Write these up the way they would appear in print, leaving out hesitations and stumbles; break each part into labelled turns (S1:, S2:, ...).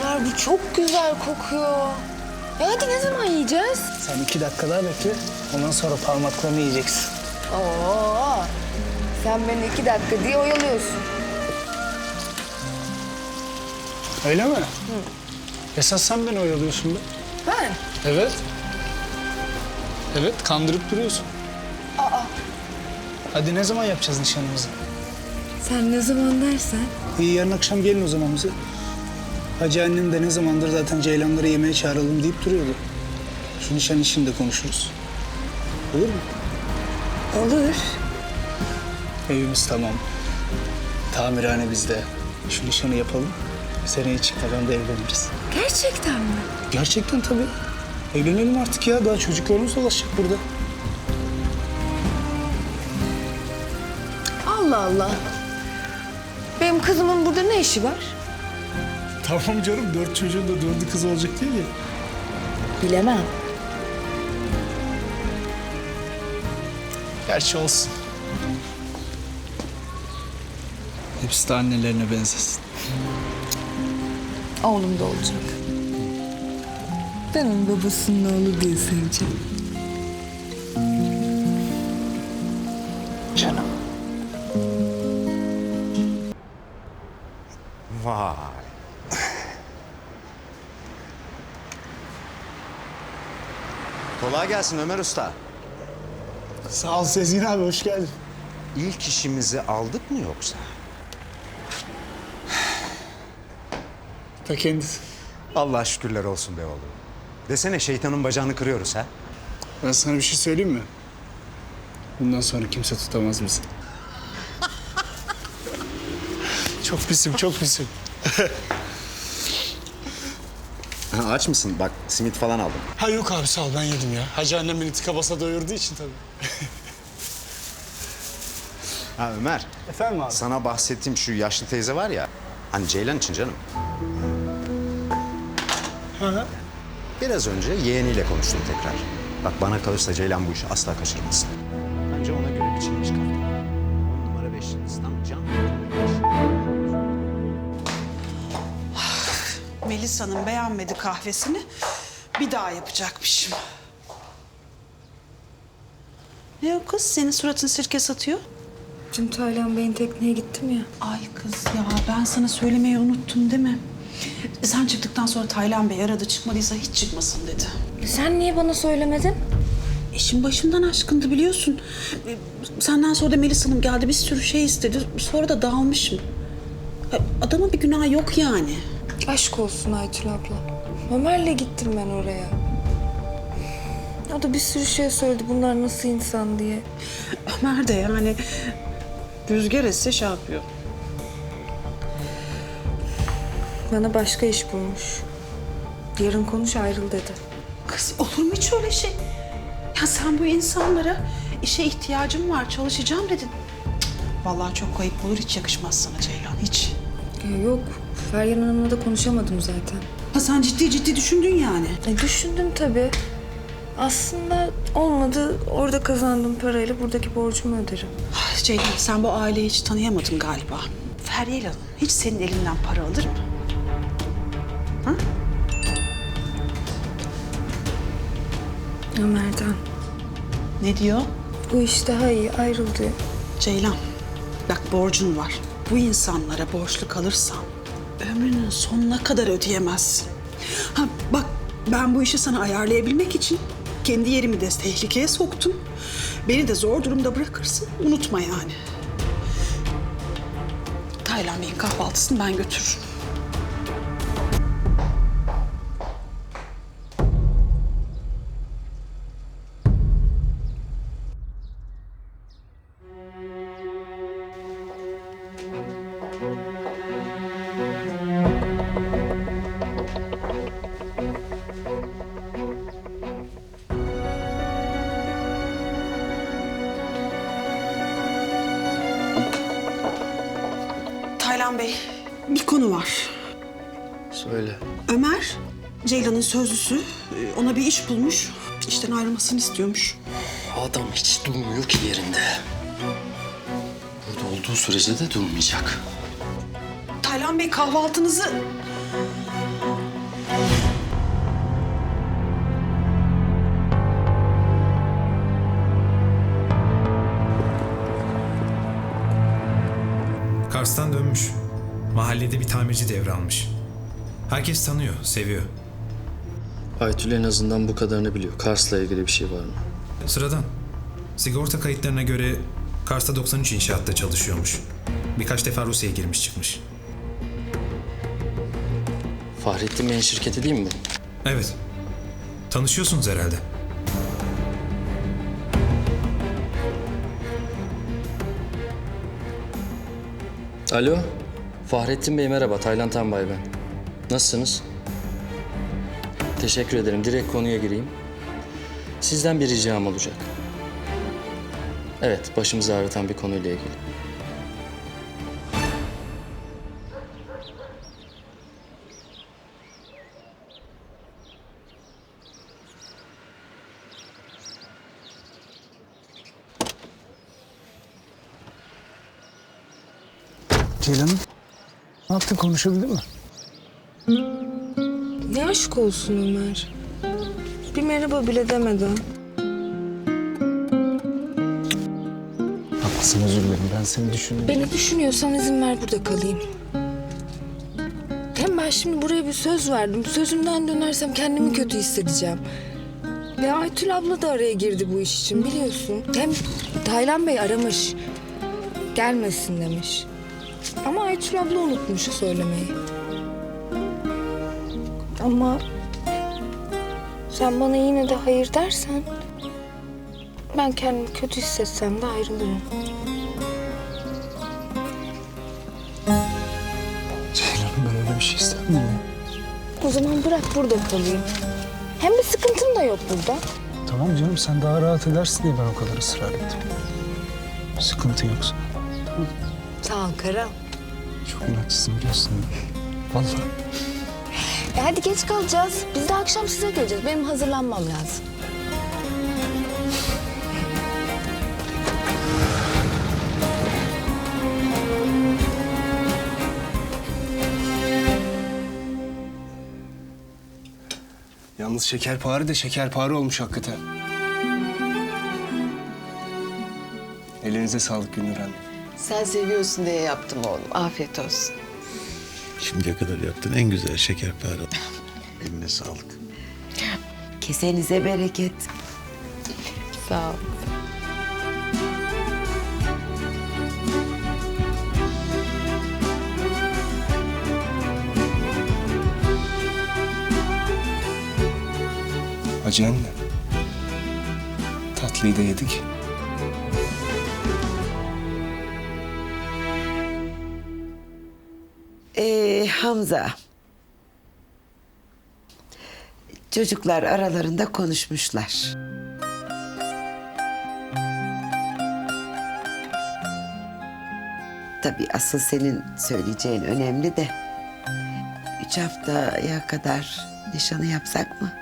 S1: Ömer bu çok güzel kokuyor. Hadi ne zaman yiyeceğiz?
S2: Sen 2 dakika daha bekle. Ondan sonra parmaklarını yiyeceksin.
S1: Oo, sen beni 2 dakika diye oyalıyorsun.
S2: Öyle mi? Hı. Esas sen beni oyalıyorsun be.
S1: Ben?
S2: Evet. Evet, kandırıp duruyorsun.
S1: Aa.
S2: Hadi ne zaman yapacağız nişanımızı?
S1: Sen ne zaman dersen.
S2: İyi, yarın akşam gelin o zaman bize. Hacı annem de ne zamandır zaten Ceylanları yemeğe çağıralım deyip duruyordu. Şu nişan işini de konuşuruz. Olur mu?
S1: Olur.
S2: Evimiz tamam. Tamirhane bizde. Şu nişanı yapalım. Seneye çıkmadan da evleniriz.
S1: Gerçekten mi?
S2: Gerçekten tabii. Evlenelim artık ya. Daha çocuklarımız dolaşacak burada.
S1: Allah Allah. Benim kızımın burada ne işi var?
S2: Tamam canım. 4 çocuğun da 4'ü kız olacak değil mi?
S1: Bilemem.
S2: Gerçi olsun. Hepsi de annelerine benzesin.
S1: Oğlum da olacak. Ben onun babasının oğlu diye seveceğim.
S2: Canım.
S3: Vay. Kolay gelsin Ömer Usta.
S2: Sağ ol Sezgin abi. Hoş geldin.
S3: İlk işimizi aldık mı yoksa?
S2: Ta kendisi.
S3: Allah şükürler olsun be oğlum. Desene şeytanın bacağını kırıyoruz ha.
S2: Ben sana bir şey söyleyeyim mi? Bundan sonra kimse tutamaz bizi. Çok pisim, çok pisim.
S3: Aç mısın? Bak simit falan aldım.
S2: Ha yok abi, sağ ol, ben yedim ya. Hacı annem beni tıka basa doyurduğu için tabii.
S3: Ha Ömer,
S2: Efendim abi?
S3: sana bahsettiğim şu yaşlı teyze var ya. Hani Ceylan için canım.
S2: Hı.
S3: Biraz önce yeğeniyle konuştum tekrar. Bak bana kalırsa Ceylan bu işi asla kaçırmasın. Bence ona göre biçilmiş kafta. 10 numara 5 yıldız tam can.
S4: Melisa'nın beğenmedi kahvesini. Bir daha yapacakmışım. Ne o kız? Senin suratın sirke satıyor.
S1: Dün Taylan Bey'in tekneye gittim ya.
S4: Ay kız ya ben sana söylemeyi unuttum değil mi? Sen çıktıktan sonra Taylan Bey aradı, çıkmadıysa hiç çıkmasın dedi.
S1: Sen niye bana söylemedin?
S4: İşin başımdan aşkındı biliyorsun. Senden sonra da Melis Hanım geldi, bir sürü şey istedi. Sonra da dağılmışım. Adama bir günah yok yani.
S1: Aşk olsun Aytül abla. Ömer'le gittim ben oraya. O da bir sürü şey söyledi, bunlar nasıl insan diye.
S4: Ömer de yani rüzgar esse şey yapıyor.
S1: Bana başka iş bulmuş. Yarın konuş, ayrıl dedi.
S4: Kız olur mu hiç öyle şey? Ya sen bu insanlara işe ihtiyacım var, çalışacağım dedin. Cık, vallahi çok ayıp olur, hiç yakışmaz sana Ceylan, hiç.
S1: Ya yok, Feryal Hanım'la da konuşamadım zaten.
S4: Ha sen ciddi ciddi düşündün yani.
S1: Düşündüm tabii. Aslında olmadı, orada kazandığım parayla buradaki borcumu öderim.
S4: Ah, Ceylan sen bu aileyi hiç tanıyamadın galiba. Feryal Hanım hiç senin elinden para alır mı? Ha?
S1: Ömer'den.
S4: Ne diyor?
S1: Bu iş daha iyi, ayrıl diyor.
S4: Ceylan bak borcun var. Bu insanlara borçlu kalırsan ömrünün sonuna kadar ödeyemezsin. Ha bak ben bu işi sana ayarlayabilmek için kendi yerimi de tehlikeye soktum. Beni de zor durumda bırakırsın. Unutma yani. Taylan Bey'in kahvaltısını ben götürürüm. Taylan Bey, bir konu var.
S2: Söyle.
S4: Ömer, Ceylan'ın sözlüsü. Ona bir iş bulmuş. İşten ayrılmasını istiyormuş.
S5: Adam hiç durmuyor ki yerinde. Burada olduğu sürece de durmayacak.
S4: Taylan Bey kahvaltınızı...
S6: Kars'tan dönmüş. Mahallede bir tamirci devralmış. Herkes tanıyor, seviyor.
S5: Aytül en azından bu kadarını biliyor. Kars'la ilgili bir şey var mı?
S6: Sıradan. Sigorta kayıtlarına göre Kars'ta 93 inşaatta çalışıyormuş. Birkaç defa Rusya'ya girmiş çıkmış.
S5: Fahrettin Bey'in şirketi değil mi bu?
S6: Evet. Tanışıyorsunuz herhalde.
S5: Alo. Fahrettin Bey merhaba. Taylan Tanbay ben. Nasılsınız? Teşekkür ederim. Direkt konuya gireyim. Sizden bir ricam olacak. Evet, başımızı ağrıtan bir konuyla ilgili.
S2: Ceylan'ım, ne yaptın, konuşabildin mi?
S1: Ne aşk olsun Ömer. Bir merhaba bile demeden.
S2: Haklısın, özür dilerim. Ben seni düşündüm.
S1: Beni düşünüyorsan izin ver burada kalayım. Hem ben şimdi buraya bir söz verdim. Sözümden dönersem kendimi kötü hissedeceğim. Ve Aytül abla da araya girdi bu iş için biliyorsun. Hem Taylan Bey aramış. Gelmesin demiş. Ama Aytül abla unutmuş söylemeyi. Ama sen bana yine de hayır dersen ben kendimi kötü hissetsem de ayrılırım.
S2: Ceylan'ım, ben öyle bir şey istemedim ya.
S1: O zaman bırak burada kalayım. Hem bir sıkıntım da yok burada.
S2: Tamam canım, sen daha rahat edersin diye ben o kadar ısrar ettim. Sıkıntı yoksa.
S1: Sağ ol Karam.
S2: Çok inatçısın biliyorsun. Vallahi.
S1: Hadi geç kalacağız. Biz de akşam size geleceğiz. Benim hazırlanmam lazım.
S7: Yalnız şekerpare de şekerpare olmuş hakikaten. Elinize sağlık Gülnur Hanım.
S8: Sen seviyorsun diye yaptım oğlum. Afiyet olsun.
S9: Şimdiye kadar yaptığın en güzel şekerpare. Eline sağlık.
S8: Kesenize bereket. Sağ ol.
S7: Hacı anne. Tatlıyı da yedik.
S8: Hamza. Çocuklar aralarında konuşmuşlar. Tabii asıl senin söyleyeceğin önemli de 3 haftaya kadar nişanı yapsak mı?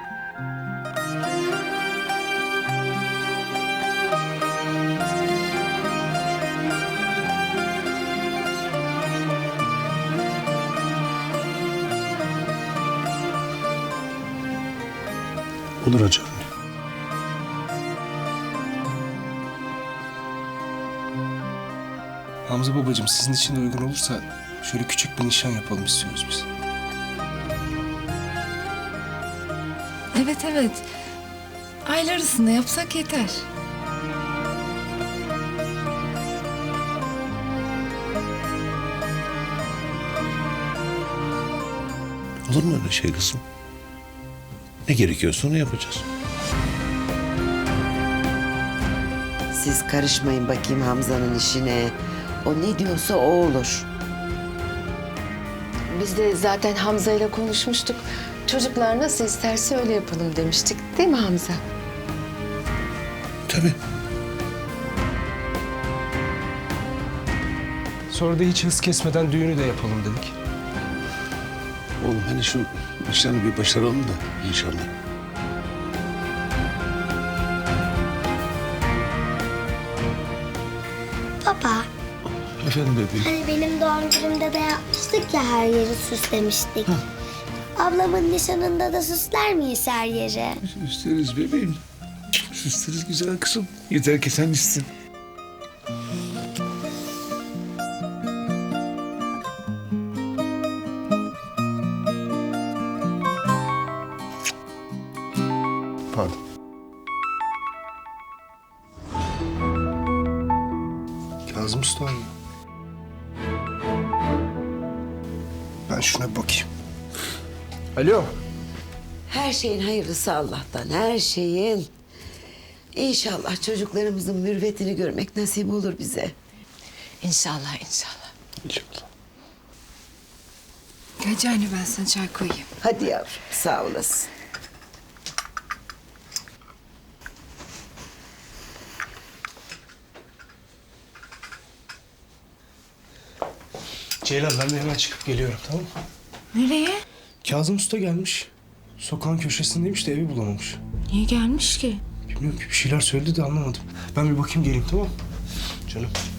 S9: Olur hacı anne.
S7: Hamza babacığım, sizin için de uygun olursa şöyle küçük bir nişan yapalım istiyoruz biz.
S1: Evet evet. Aile arasında yapsak yeter.
S9: Olur mu öyle şey kızım? Ne gerekiyorsa onu yapacağız.
S8: Siz karışmayın bakayım Hamza'nın işine. O ne diyorsa o olur.
S10: Biz de zaten Hamza ile konuşmuştuk. Çocuklar nasıl isterse öyle yapalım demiştik. Değil mi Hamza?
S9: Tabii.
S7: Sonra da hiç hız kesmeden düğünü de yapalım dedik.
S9: Oğlum hani şu nişanı bir başaralım da inşallah.
S11: Baba,
S9: Efendim bebeğim.
S11: hani benim doğum günümde de yapmıştık ya, her yeri süslemiştik. Ablamın nişanında da süsler miyiz her yeri?
S9: Süsleriz bebeğim. Süsleriz güzel kızım. Yeter ki sen istin. Pardon.
S7: Kazım Usta abi. Ben şuna bir bakayım. Alo.
S8: Her şeyin hayırlısı Allah'tan, her şeyin. İnşallah çocuklarımızın mürvetini görmek nasip olur bize.
S10: İnşallah, inşallah.
S9: İnşallah.
S1: Hacı anne ben sana çay koyayım.
S8: Hadi yavrum, sağ olasın.
S7: Ceylan ben de hemen çıkıp geliyorum, tamam mı?
S1: Nereye?
S7: Kazım Usta gelmiş. Sokağın köşesindeymiş de evi bulamamış.
S1: Niye gelmiş ki?
S7: Bilmiyorum ki bir şeyler söyledi de anlamadım. Ben bir bakayım geleyim, tamam mı? Canım.